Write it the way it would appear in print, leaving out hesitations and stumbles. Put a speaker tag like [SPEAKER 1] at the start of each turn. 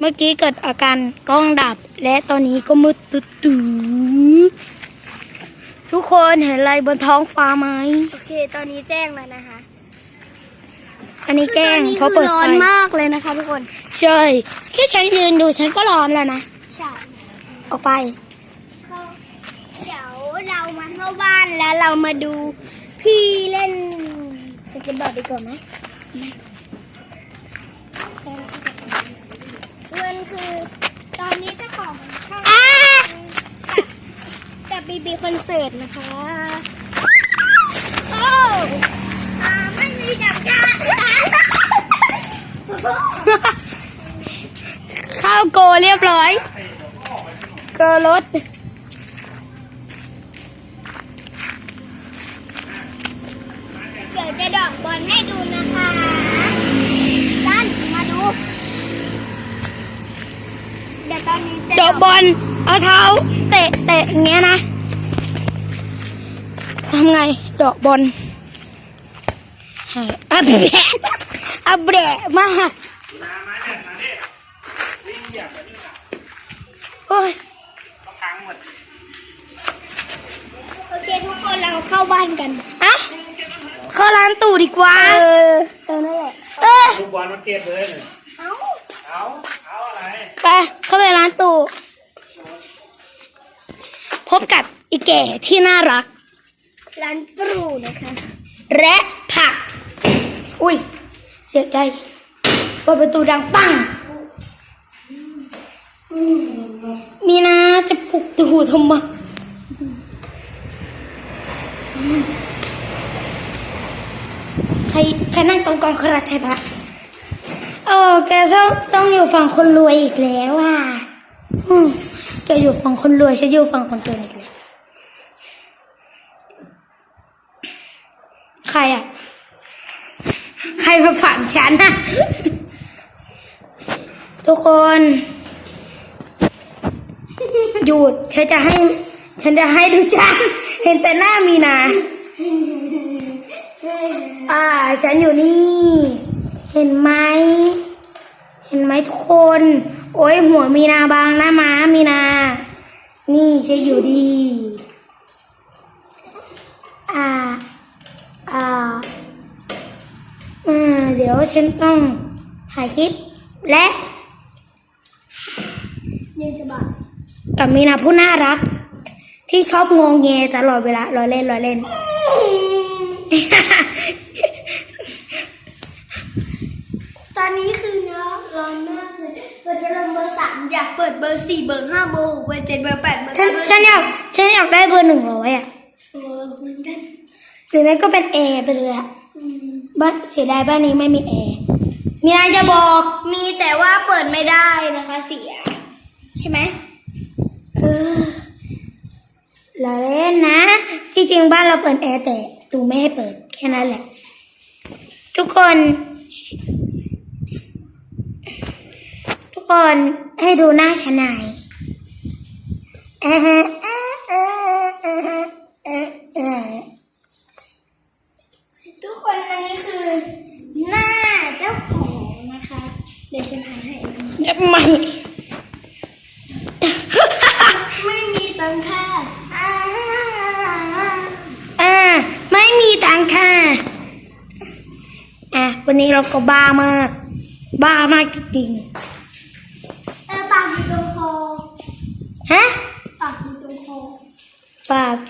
[SPEAKER 1] เมื่อกี้เกิดอาการกล้องดับและตอนนี้ก็มืดตื้อทุกคนเห็นอะไรบนท้องฟ้าไหม
[SPEAKER 2] โอเคตอนนี้แจ้งแล้วนะคะ
[SPEAKER 1] อันนี้แกล้งเพราะเปิดไฟ
[SPEAKER 2] ร้อนมากเลยนะคะทุกคน
[SPEAKER 1] ใช่แค่ฉันยืนดูฉันก็ร้อนแล้วนะ
[SPEAKER 2] ใช่
[SPEAKER 1] ออกไป
[SPEAKER 2] เดี๋ยวเรามาเข้าบ้านแล้วเรามาดูพี่เล่นสเก็ตบอร์ดดีกว่าไหมมันคือตอนนี้เจ้าของช่องจะบีคอนเสิร์ตนะคะโอ้ไม่มีจับการ
[SPEAKER 1] เข้าโกเรียบร้อยเกอรถ
[SPEAKER 2] เดี๋ยวจะดอกบอลให้ดูนะคะด้านมาดูเดี๋ยวตอนนี้จะ
[SPEAKER 1] ดอกบอลเอาเท้าเตะอย่างเงี้ยนะทำไงดอกบอลอับแบะมากโอ้ย
[SPEAKER 2] โอเคทุกคนเราเข้าบ้านกัน
[SPEAKER 1] อะเข้าร้านตู่ดีกว่า
[SPEAKER 2] นั่นแหละ
[SPEAKER 3] ลูกบอลมาเก็บเลย
[SPEAKER 2] เอา
[SPEAKER 3] อะไร
[SPEAKER 1] ไปเข้าไปร้านตู่พบกับอีแก่ที่น่ารัก
[SPEAKER 2] ร้านตรูนะคะ
[SPEAKER 1] และผักอุ้ยเสียใจเปิดประตูดังปังมีนาจะปลุกตู่ทำไมใครนั่งตรงกองคราชบะแกต้องอยู่ฝั่งคนรวยอีกแล้วอ่ะแกอยู่ฝั่งคนรวยฉันอยู่ฝั่งคนจนอีกแล้วใครอ่ะใครมาฝั่งฉันนะทุกคนหยุดฉันจะให้ดูฉันเห็นแต่หน้ามีนาฉันอยู่นี่เห็นไหมทุกคนโอ้ยหัวมีนาบางหน้าม้ามีนานี่จะอยู่ดีเดี๋ยวฉันต้องถ่ายคลิปและกับมีนาผู้น่ารักที่ชอบงงเงตลอดเวลาล้อเล่น
[SPEAKER 2] ตอนนี้คือเนาะร้อนมากเลยเราจะลงเบอร์3อยากเปิดเบอร์4เบอร์5เบอร์6เบอร์7เบอร์8เบอร์9
[SPEAKER 1] ฉันอยากได้เบอร์100อ่ะ
[SPEAKER 2] เหมือนกัน
[SPEAKER 1] หรือไม่ก็เป็นแอร์ไปเลยอ่ะบ้านเสียดายบ้านนี้ไม่มีแอร์มีอะไรจะบอก
[SPEAKER 2] มีแต่ว่าเปิดไม่ได้นะคะเสียใช่ไหม
[SPEAKER 1] เราเล่นนะที่จริงบ้านเราเปิดแอร์แต่ตูไม่ให้เปิดแค่นั้นแหละทุกคนให้ดูหน้าฉันหน่อย
[SPEAKER 2] ทุกคนอันนี้คือหน้าเจ้าของนะคะเดี๋ยวฉันถ่ายให้ไม่มีตังค่า
[SPEAKER 1] ไม่มีตังค่าวันนี้เราก็บ้ามากจริง
[SPEAKER 2] ปากอยู่ตรงคอ
[SPEAKER 1] ฮะ
[SPEAKER 2] ปากอยู่ตรงคอ
[SPEAKER 1] ปาก